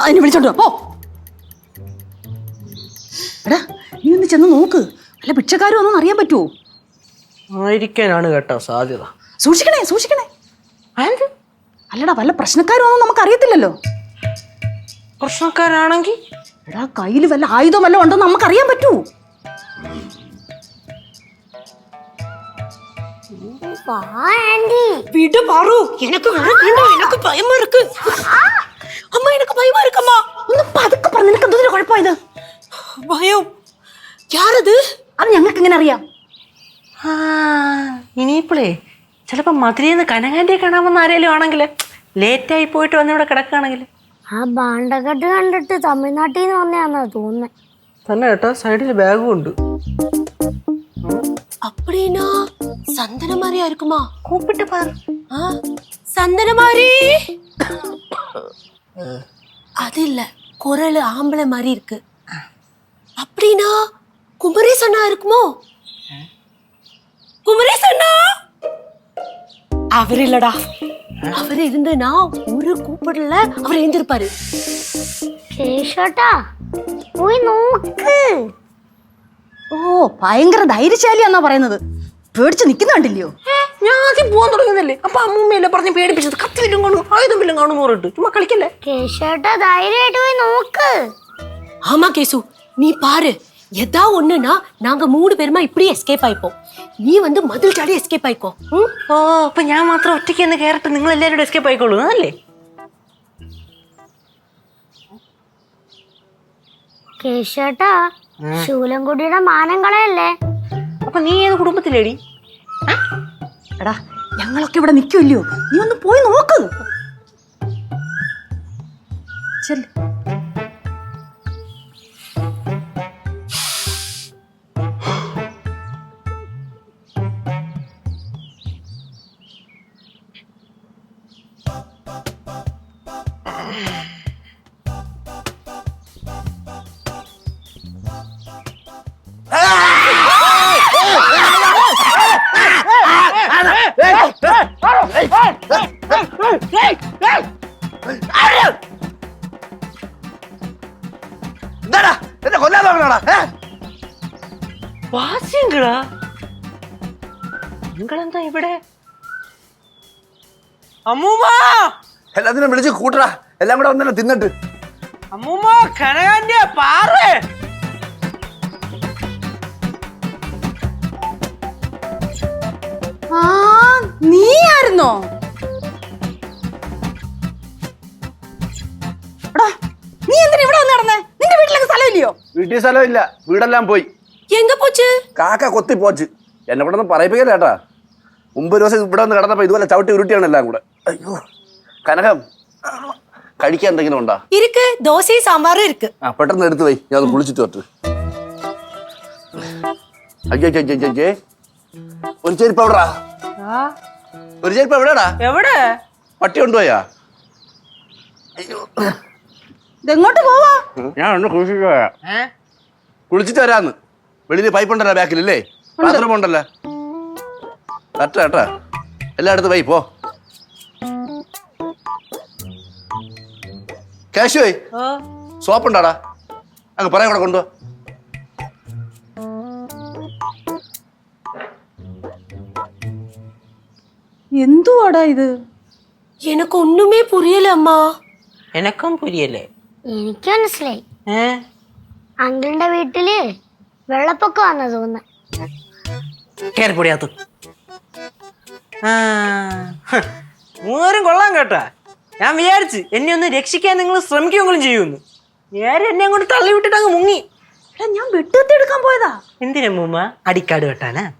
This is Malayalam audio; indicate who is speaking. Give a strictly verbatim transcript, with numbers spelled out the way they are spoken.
Speaker 1: അതിനെ വിളിച്ചോണ്ട് പോ. എടാ നീ ഒന്ന് ചെന്ന് നോക്ക്, അല്ല ഭിക്ഷക്കാരും ഒന്നും അറിയാൻ പറ്റുമോ?
Speaker 2: ആയിരിക്കാനാണ് കേട്ടോ സാധ്യത.
Speaker 1: സൂക്ഷിക്കണേ സൂക്ഷിക്കണേ. അല്ലടാ വല്ല പ്രശ്നക്കാരും ഒന്നും നമുക്ക് അറിയത്തില്ലല്ലോ.
Speaker 2: പ്രശ്നക്കാരാണെങ്കിൽ
Speaker 1: എടാ കയ്യിൽ വല്ല ആയുധം വല്ല ഉണ്ടോ നമുക്ക് അറിയാൻ പറ്റൂ.
Speaker 3: விடு பாரு, எனக்கு வேண்டாம், எனக்கு பயமா இருக்கு. அம்மா எனக்கு பயமா இருக்குமா.
Speaker 1: ഒന്ന് പതുക്കെ പറ, നിനക്ക് എന്തൊരു കുഴപ്പമായത്?
Speaker 3: ഭയം? യാരത്?
Speaker 1: അത് ഞങ്ങൾക്ക് എങ്ങനെ അറിയാം?
Speaker 2: ആ ഇനിയിപ്പോളേ ചിലപ്പോൾ മധുരയിൽ കനകാൻ്റെ കാണാമെന്ന് ആരെങ്കിലും ആണെങ്കിൽ ലേറ്റായി പോയിട്ട് വന്നിവിടെ കിടക്കുകയാണെങ്കിൽ
Speaker 4: ആ ബാണ്ടക്കെട്ട് കണ്ടിട്ട് തമിഴ്നാട്ടിൽ നിന്ന് വന്നതാണെന്നാ തോന്നുന്നത്.
Speaker 2: തന്നെ കേട്ടോ, സൈഡിൽ ബാഗും ഉണ്ട്.
Speaker 3: அப்படினா சந்தன மாதிரியா இருக்குமா?
Speaker 2: கூப்பிட்டு பாரு.
Speaker 3: சந்தன மாதிரி அது இல்ல, குரல் ஆம்பளை மாதிரி இருக்கு. அப்படினா குமரேச் அண்ணா இருக்குமோ? குமரேச் அண்ணா அவர் இல்லடா, அவர் இருந்தனா ஒரு கூப்பிடல அவர் எழுந்திருப்பாரு.
Speaker 4: കേശോട്ടാ പോയി നോക്ക്.
Speaker 1: ഓ ഭയങ്കര ധൈര്യശാലിയാന്നാ പറയുന്നത്. പേടിച്ച് നിൽക്കുന്ന കണ്ടില്ലയോ?
Speaker 2: ഞാൻ ആദ്യം പോകാൻ തുടങ്ങുന്നല്ലേ, അപ്പൊ അമ്മൂമ്മയല്ലേ പറഞ്ഞ് പേടിപ്പിച്ചത്. കത്തി വല്ലും കാണും ആയുധം വല്ലും കാണും പറഞ്ഞിട്ട് ചുമ്മാ കളിക്കല്ലേ.
Speaker 4: കേശോട്ടാ ധൈര്യമായിട്ട് പോയി നോക്ക്.
Speaker 3: ஆமா கேசு, நீ பாரு, எதா ஒண்ணுனா நாங்க மூணு பேருமா இப்படியே எஸ்கேப் ஆயிப்போம். நீ வந்து மதில் ചാടി എസ്കേപ്പ് ആയിക്കോ.
Speaker 2: ഓ അപ്പൊ ഞാൻ മാത്രം ഒറ്റയ്ക്ക് എന്ന് കയറിട്ട് നിങ്ങൾ എല്ലാവരും എസ്കേപ്പ് ആയിക്കോളൂ അല്ലേ?
Speaker 4: കേശോട്ടാ ശൂലംകുടിയുടെ മാനം കളയല്ലേ.
Speaker 2: അപ്പൊ നീ ഏത് കുടുംബത്തിലേടി?
Speaker 1: എടാ ഞങ്ങളൊക്കെ ഇവിടെ നിൽക്കുമല്ലയോ, നീ ഒന്ന് പോയി നോക്ക്. ചെല്ല്.
Speaker 5: എന്താടാ എന്നെ കൊല്ലാൻ നോക്കണോടാ?
Speaker 2: വാസ്യങ്ങളാ നിങ്ങളെന്താ ഇവിടെ? അമ്മൂമ്മ
Speaker 5: എല്ലാത്തിനും വിളിച്ച് കൂട്ടടാ, എല്ലാം കൂടെ വന്നല്ലോ തിന്നിട്ട്.
Speaker 2: അമ്മൂമ്മ കനകാന്റെ പാറ്.
Speaker 1: ആ നീ ആയിരുന്നോ? എടാ നീ എന്തിനാ ഇവിടെ വന്ന് നടന്നേ? നിന്റെ വീട്ടിലൊക്കെ സ്ഥലമില്ലയോ?
Speaker 5: വീട്ടിൽ സ്ഥലമില്ല, വീടെല്ലാം പോയി.
Speaker 3: எங்க போச்சு?
Speaker 5: കാക്ക കൊത്തി പോച്ച്. എന്നെ കൂടെ ഒന്നും പറയിപ്പിക്കല്ലേ ഏട്ടാ. മുമ്പ് ഒരു ദിവസം ഇവിടെ വന്ന് കിടന്നപ്പോ ഇതുപോലെ ചവിട്ടി ഉരുട്ടിയാണ് എല്ലാം കൂടെ. അയ്യോ കനകം, കഴിക്കാൻ എന്തെങ്കിലും ഉണ്ടോ?
Speaker 3: இருக்கு, தோசை சாம்பாரும் இருக்கு.
Speaker 5: ആ പെട്ടെന്ന് എടുത്തു പോയി, ഞാൻ ഒന്ന് കുളിച്ചിട്ട് വരട്ടെ. അയ്യോ അയ്യോ, ഒരു ചെരുപ്പ് എവിടാ? ഒരു ചെരുപ്പ് എവിടെടാ?
Speaker 2: എവിടെ?
Speaker 5: പട്ടി കൊണ്ടുപോയാ? അയ്യോ
Speaker 1: ഇതെങ്ങോട്ട് പോവാ?
Speaker 5: ഞാൻ ഒന്ന് കുളിച്ചിട്ട് പോയാ. കുളിച്ചിട്ട് വരാന്ന്. വെളിയിൽ പൈപ്പ് ഉണ്ടല്ലോ ബാക്കിലല്ലേ, ബാത്റൂം ഉണ്ടല്ലോ. കറക്റ്റാ കേട്ടാ, എല്ലായിടത്തും വൈ പോ. കാശുവേ സോപ്പ് ഉണ്ടാടാ, അങ്ങ് പറയാൻ കൂടെ കൊണ്ടുപോ.
Speaker 1: എന്തുവാടാ ഇത്?
Speaker 3: எனக்கு ஒண்ணுமே புரியல அம்மா.
Speaker 2: എനക്കും പുരിയല്ലേ?
Speaker 4: എനിക്ക് മനസ്സിലായി.
Speaker 2: ഏ
Speaker 4: അങ്കിളിന്റെ വീട്ടില് വെള്ളപ്പൊക്കം വന്ന തോന്നുന്നു.
Speaker 2: കേറിപ്പൊടിയാത്തു. ആ മൂന്നേരും കൊള്ളാൻ കേട്ടാ. ഞാൻ വിചാരിച്ച് എന്നെ ഒന്ന് രക്ഷിക്കാൻ നിങ്ങൾ ശ്രമിക്കുമെങ്കിലും ചെയ്യുമെന്ന്. നേരെ എന്നെ അങ്ങോട്ട് തള്ളി വിട്ടിട്ട് അങ്ങ് മുങ്ങി.
Speaker 1: എടാ ഞാൻ വെട്ടുകത്തി എടുക്കാൻ പോയതാ.
Speaker 2: എന്തിനാ മൂമ്മ? അടിക്കാട് വെട്ടാനാ?